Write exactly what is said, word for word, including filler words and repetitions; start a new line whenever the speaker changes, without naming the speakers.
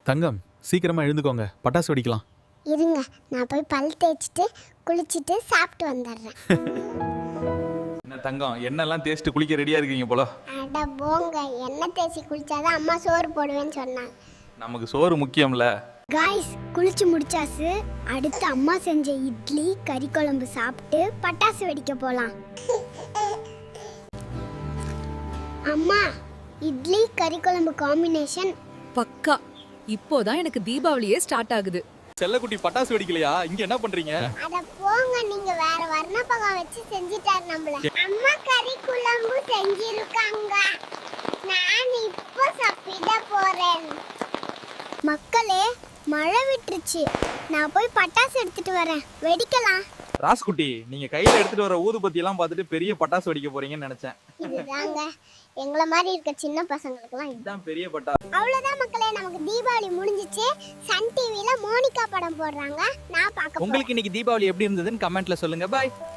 தங்கம், சீக்கிரமா எழுந்துக்கோங்க, பட்டாசு வெடிக்கலாம்.
இருங்க, நான் போய் பல் தேய்ச்சிட்டு குளிச்சுட்டு சாப்பிட்டு வந்துடுறேன்.
என்ன தங்கம், எண்ணெல்லாம் தேய்ச்சிட்டு குளிக்க ரெடியா இருக்கீங்க போல.
அட போங்க, எண்ணெய் தேய்ச்சி குளிச்சாதான் அம்மா சோறு போடுவேன்னு சொன்னாங்க.
நமக்கு சோறு முக்கியம்ல.
காய்ஸ், குளிச்சு முடிச்சாச்சு. அடுத்து அம்மா செஞ்ச இட்லி கறி குழம்பு சாப்பிட்டு பட்டாசு வெடிக்க போலாம். அம்மா, இட்லி கறி குழம்பு காம்பினேஷன்
பக்கா. இப்போதான் எனக்கு தீபாவளியே ஸ்டார்ட் ஆகுது.
செல்லக்குட்டி பட்டாசு வெடிக்கலையா? இங்க என்ன பண்றீங்க?
அட போங்க, நீங்க வேற வர்ணப்பகம் வச்சு செஞ்சிட்டாரு நம்மள. அம்மா கறி குழம்பு செஞ்சிருக்காங்க, நான் இப்போ சாப்பிட போறேன். மக்களே, மழை விட்டுருச்சு, நான் போய் பட்டாசு எடுத்துட்டு வரேன், வெடிக்கலாம்.
ராஸ்குட்டி, நீங்க கையில எடுத்துட்டு வர ஊதுபத்தி எல்லாம் பார்த்துட்டு பெரிய பட்டாசு வெடிக்க போறீங்கன்னு நினைச்சேன்.
இதுதாங்க, எங்கள மாதிரி இருக்க சின்ன பசங்களுக்குலாம்
இதுதான் பெரிய பட்டாசு.
அவ்வளவுதான் மக்களே, நமக்கு தீபாவளி முடிஞ்சிச்சு. சன் டிவில மோனிகா படம் போடுறாங்க, நான் பார்க்க.
உங்களுக்கு இன்னைக்கு தீபாவளி எப்படி இருந்ததுன்னு கமெண்ட்ல சொல்லுங்க. பாய்.